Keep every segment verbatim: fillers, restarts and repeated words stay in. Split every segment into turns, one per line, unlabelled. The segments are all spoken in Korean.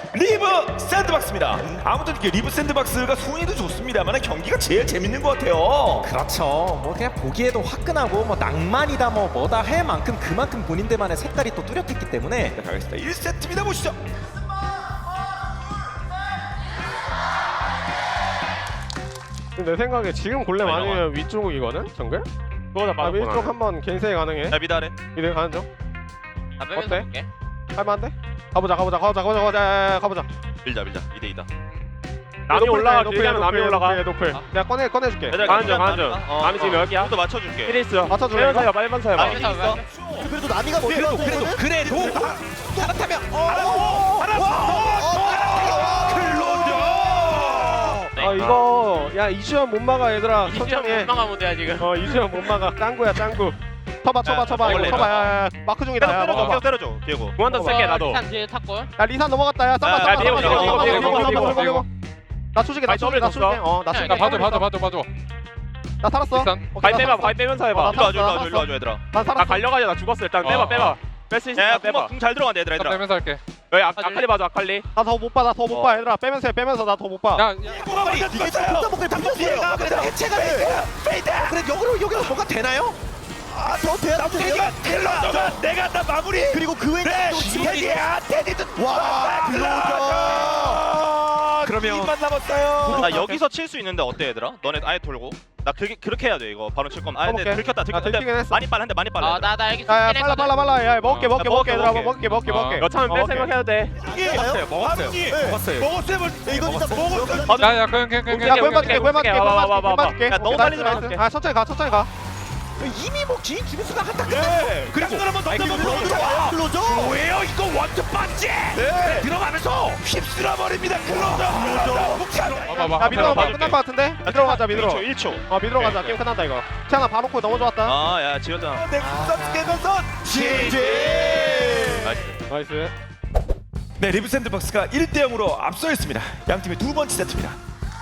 리브 샌드박스입니다. 아무튼 이게 리브 샌드박스가 순위도 좋습니다만 경기가 제일 재밌는 것 같아요.
그렇죠. 뭐 그냥 보기에도 화끈하고 뭐 낭만이다 뭐 뭐다 할 만큼 그만큼 본인들만의 색깔이 또 뚜렷했기 때문에.
자, 가겠습니다. 일 세트입니다. 보시죠.
내 생각에 지금 골렘
아니,
아니면 위쪽이거든? 정글?
그거다
아
맞았구나.
위쪽 한번 겐세이 가능해.
야 미다래.
미드 가는 중?
나 빼면서
어때?
볼게.
할만한데? 가보자 가보자 가보자 가보자 가보자 야, 야, 가보자.
밀자 밀자. 이 대 이다.
남이 올라가
길게 하면 남이 올라가.
노플. 내가 꺼내 꺼내줄게.
얘들아,
가는 중,
그냥
가는 중.
남이다. 어,
남이 지금
어.
여기야.
또 맞춰줄게.
일 있어.
맞춰줄래,
빼면서
이거?
해봐, 빼면서 해봐.
남이 있어.
그래도 나미가 뭐
그래도 그래도 그래도 그렇다면 어.
아 이거 야 이주연 못 막아 얘들아.
이시간
천천히 해.
원망한 무대야 지금.
어 이주연 못 막아. 짱구야 짱구. 쳐봐 쳐봐
야,
쳐봐 이거
먹을래,
쳐봐
이거.
야야 마크 중이다 야
때려줘.
먹어봐.
계속 때려줘. 디에고.
공한단 쓸게 나도.
일단 뒤에 탑골.
야 리산 넘어갔다 야 쌈바
아,
쌈바
비고,
쌈바
비고,
쌈바
비고,
쌈바
비고,
쌈바
비고,
쌈바 나 초식에 나
아니,
초식에 나
더블
초식에
줬어?
어나 초식에
봐줘,
더블
봐줘,
줬어.
봐줘.
나 살았어
일단
오케이,
가위
나
빼봐,
살았어.
가위 빼면서
어,
해봐.
나
일로 와줘 일로
살았어,
와줘 일로 와줘 얘들아.
난
나
살았어
갈려가지고 나 죽었어. 일단 빼봐,
어,
빼봐.
어.
뺄 수 있으면
야
빼봐.
궁잘 들어간다 얘들아 얘들아.
빼면서 할게. 여기 아, 아칼리 봐줘, 아칼리.
나 더 못 봐 나 더 못 봐 얘들아 빼면서 해 빼면서 나 더 못 봐
야,
이게 좀 복잡하게 당겼어요. 그래도 해체가 돼. 그래 여기로 여기로 뭐가 되나요? 아더 돼야 돼요.
클로저 내가 다 마무리.
그리고 그 외에 또 지금
테디야 테디도
와 클로저.
그러면 만 남았어요.
나 여기서 칠 수 있는데 어때 얘들아? 너네 아예 돌고. 나 그게 그렇게 해야 돼 이거. 바로 칠 거면. 아 근데
써볼게.
들켰다
아,
들켰다.
들키긴 했어.
많이 빨라 한데 많이 빨라.
아나 나 여기
야야
죽긴
빨라 빨라
했거든.
빨라 야 먹게 먹게
야,
먹게
먹을게,
얘들아
먹을게.
먹게 먹게
어.
먹게
여차하면 뺄
어,
생각해야 돼.
먹었어요 먹었어요 먹었어요. 먹었어요.
이거 진짜 먹었어요.
야, 야, 그냥, 그냥, 그냥.
야 고연 맞게 고연 맞게 고연 맞게 고연 맞게
야, 너무 빨리 들어갈게.
아 천천히 가 천천히 가
이미 뭐 지인 주변수가 한타
네. 그리고 한번 넘겨보고 들어와요.
클로저.
뭐예요 이거 원투 반지. 네. 들어가면서 휩쓸어 버립니다. 클로저.
봐봐,
야 미드로
봐봐.
가면 끝날 것 같은데 미드로 가자 미드로
일 초 일 초.
어 미드로 가자 게임 끝난다 이거 태양아 바로코 너무 좋았다
아야 지렸잖아.
넥슨 깨면서 지지.
나이스.
나이스
네, 리브 샌드박스가 일 대 영으로 앞서 있습니다. 양 팀의 두 번째 세트입니다.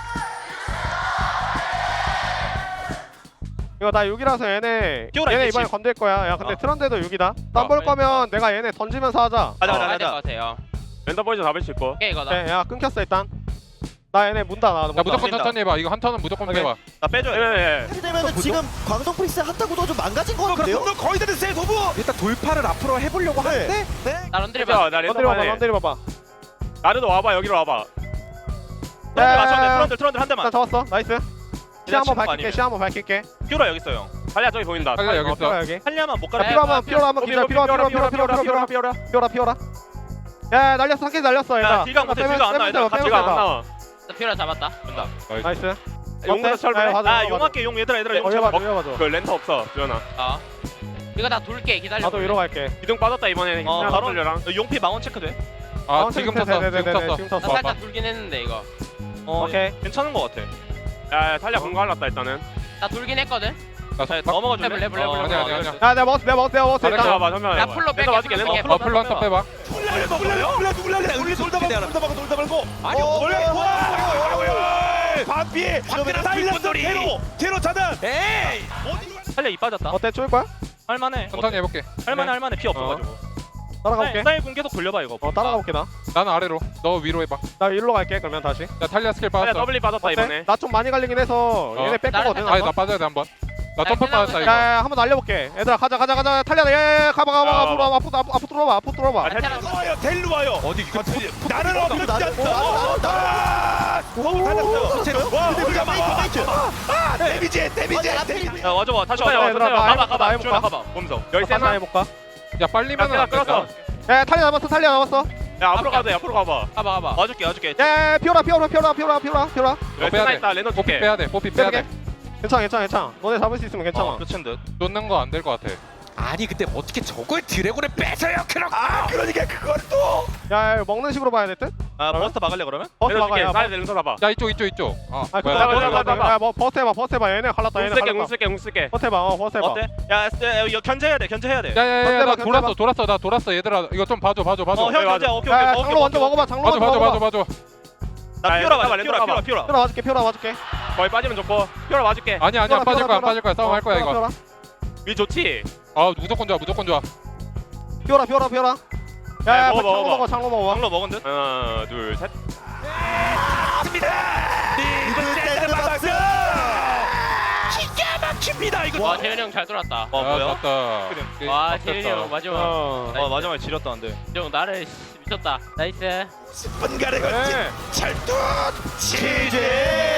이거 나 육 이라서 얘네
끼워라,
얘네
있겠지.
이번에 건들 거야 야 근데
어.
트런데도 육 이다 땀볼 거면 내가 얘네 던지면서 하자
가자 가자
가야 될것
가자.
같아요.
랜더 보이즈 잡을 수 있고.
오케이 이거다.
네, 야 끊겼어 일단 나 얘네 문다 나 문다
야, 무조건
뛴다.
천천히 해봐. 이거 한 턴은 무조건
오케이.
빼봐.
나 빼줘야 돼.
예, 예.
이렇게 되면 지금 광성 프리스 핫타구도 좀 망가진 것 같은데요?
그럼 거의 다 됐어요, 도부.
일단 돌파를 앞으로 해보려고 하는데
네.
나 런드리
빼봐,
봐.
나 랜더
런드리 봐봐
봐봐.
런드리 봐봐
나르도 와봐, 여기로 와봐.
트런들 맞춰야 돼. 트런들 트런들 한 대만.
일단 잡았어 나이스 시 한번 밝힐게 시 한번 밝힐게
피오라 여기 있어 형.
탈리아 저기 보인다.
탈리아 여기
어,
있어.
피오라 여기
탈리아만 못 가라.
네.
피오라 한번 피오라 한번 기다려 피오라 피오라 피오라 피오라 피오라
피오라.
피오라 피오라 야 날렸어 한개 날렸어
야,
얘들아
딜각 못해, 딜각 안 나와, 얘들아.
같이 가안 나와.
나 피오라 잡았다.
된다.
나이스
용부터 철분해.
아 용할게 용 얘들아 얘들아 용
어
잡아.
해봐줘 해봐줘
그 랜터 없어, 주연아.
어. 이거 다 돌게 기다려.
나도 위로 갈게
기둥 빠졌다 이번에.
어
그냥
바로
돌려랑.
용피 망원 체크 돼.
아,
어,
지금
네,
탔어.
네, 네,
지금
네, 네,
탔어.
지금
나
탔어
살짝 돌긴 했는데 이거.
어
오케이.
괜찮은 거 같아.
야, 야, 탈리아 공거 할랐다 일단은.
나 돌긴 했거든.
나
자
박-
넘어가 줄래?
레블, 레블, 레블,
어,
아니야,
어,
아니야,
어,
아니야.
야 내가 먹었어 내가 먹었어 내가 먹었어
랜더
일단
와봐, 설명.
야, 풀로 뺄게,
맞을게,
풀로
랜더.
뺄게.
어, 풀로 한턴 빼봐.
훌라를 먹어요. 훌라 훌라를 우리 돌다 말고 돌다 말고 돌다 말고.
아니,
원래
어,
와. 반피. 반피는 사일런스 제로 제로 차단. 에이.
탈리아 이 빠졌다.
어때 쫄 거야?
할만해.
천천히 해볼게.
할만해 할만해 피 없어가지고.
따라가 볼게
사일 공 계속 돌려봐 이거.
어 따라가 볼게 나 나
나는 아래로. 너 위로 해봐.
일로 갈게 그러면 다시
야, 탈리아 스킬
탈리아
빠졌어.
더블리 빠졌다 이번에.
나 좀 많이 갈리긴 해서
어.
얘네 뺄
나를
거거든
살짝-
아니, 나 빠져야 돼, 한 번. 나
나
점프
끝나고
빠졌다,
있어.
이거.
야야 한번 날려볼게 얘들아 가자 가자 가자 탈리아 야야야 가봐 가봐
야,
앞으로
봐봐.
와봐 앞으로 앞으로 앞으로 들어와봐 앞으로 들어와봐
아,
델루 와요. 델루 와요. 어디 나는
나도,
없지
나도,
않다.
나도, 나도.
아,
오,
달렸어요. 와,
근데
우리가
페이크,
막
페이크.
아, 데미지, 데미지.
아니,
데미지.
야 와줘봐 다시
천천히
와봐.
와봐, 천천히 와봐.
가봐
나
가봐.
해볼까?
주연아 가봐. 보면서.
여기
다시
세나.
해볼까
야, 빨리면
야,
안
끌었어.
된다.
야 탈리아 잡았어 탈리아 잡았어
야, 앞으로 가도 돼, 앞으로 가봐.
가봐 가봐.
와줄게 와줄게.
야 피오라 피오라 피오라 피오라 피오라 피오라
여기
빼야
세나
돼.
있다, 랜더
뽀삐
줄게.
빼야 돼, 뽀삐 빼야 돼.
괜찮아 괜찮아 괜찮아 너네 잡을 수 있으면 괜찮아
어 끝인 듯.
놓는 거 안 될 것 같아. 아니, 근데 어떻게 저걸 드래곤에 뺏어요, 크럭!
아, 그러니까 그걸 또.
야, 야 먹는 식으로 봐야 될 듯?
아 버스터 막을래 그러면?
버스
랜더
막아
줄게.
야
사이드 랜더 잡아.
야, 이쪽, 이쪽, 이쪽. 아,
아
뭐야,
그거
나-
버스
나- 나- 나-
막아 야뭐 버스 해봐 버스 해봐 얘네 갈랐다
공
얘네
쓸게, 공
갈랐다
쓸게, 공 쓸게.
버스 해봐 어 버스 해봐
어때? 야, 야, 이거 견제해야 돼, 견제해야 돼.
야, 야, 야, 야,
견뎌봐,
나
견뎌봐.
돌았어, 돌았어, 나 돌았어, 얘들아. 이거 좀 봐줘, 봐줘, 봐줘.
어, 형
맞아.
견제, 오케이,
야
오케이.
야,
먹을게,
장로 먼저
먹을게.
먹어봐 장로
봐줘,
먼저
봐줘, 봐줘,
먹어봐
봐줘.
나
야,
피오라
잠깐만,
맞아,
렌토
피오라,
가봐.
피오라, 피오라.
피오라 맞을게 피오라 맞을게
거의 빠지면 좋고. 피오라 맞을게.
아니, 아니야, 안 빠질 거야, 안 빠질 거야. 싸움 할 거야,
피오라,
이거.
피오라
위 좋지?
아, 무조건 좋아, 무조건 좋아.
피오라 피오라 피오라 야야
먹어,
창로
먹어.
먹어 창로 먹어.
방로 먹은 듯?
하나 둘셋
리브 샌드박스 기가 막힙니다 이거.
와 재현이 형 잘 돌았다.
어 뭐야?
졌다.
와 재현이 형 마지막.
어.
어 마지막에 지렸다는데.
형 나를 씨, 미쳤다. 나이스.
십 분간의 걸친
네.
철도 치즈.